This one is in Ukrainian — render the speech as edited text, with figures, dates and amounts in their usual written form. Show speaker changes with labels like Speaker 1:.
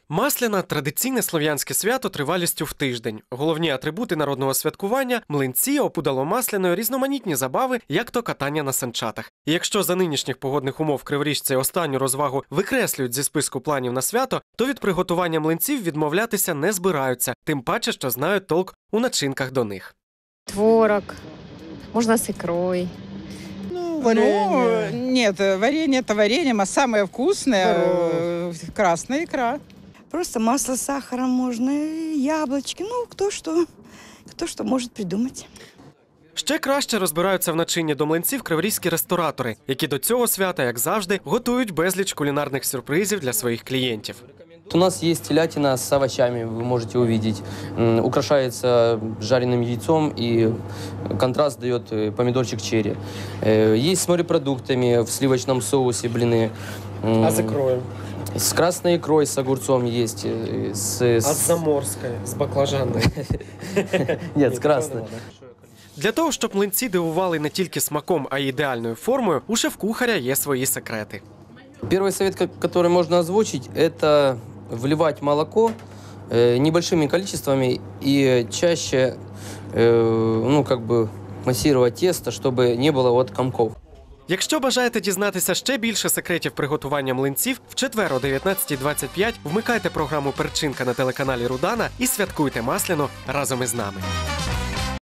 Speaker 1: Масляна – традиційне слов'янське свято тривалістю в тиждень. Головні атрибути народного святкування – млинці, опудало-масляною, різноманітні забави, як то катання на санчатах. І якщо за нинішніх погодних умов криворіжці останню розвагу викреслюють зі списку планів на свято, то від приготування млинців відмовлятися не збираються, тим паче, що знають толк у начинках до них.
Speaker 2: Творог, можно с икрой.
Speaker 3: Варенье. Нет, варенье это варенье, а самое вкусное красная икра.
Speaker 4: Просто масло с сахаром можно, яблочки, кто что может придумать.
Speaker 1: Ще краще розбираються в начинні до млинців криворізькі ресторатори, які до цього свята, як завжди, готують безліч кулінарних сюрпризів для своїх клієнтів.
Speaker 5: У нас есть телятина с овощами, вы можете увидеть. Украшается жареным яйцом, и контраст дает помидорчик черри. Есть с морепродуктами в сливочном соусе блины.
Speaker 1: А с икрой?
Speaker 5: С красной икрой, с огурцом есть.
Speaker 1: А с заморской, с баклажанной?
Speaker 5: Нет, с красной.
Speaker 1: Для того, щоб млинці дивували не тільки смаком, а й ідеальною формою, у шеф-кухаря є свої секрети.
Speaker 5: Первый совет, который можно озвучить, это вливать молоко небольшими количествами и чаще массировать тесто, чтобы не было комков.
Speaker 1: Якщо бажаєте дізнатися ще більше секретів приготування млинців, в четвер о 19:25 вмикайте програму «Перчинка» на телеканалі Рудана і святкуйте масляну разом із нами.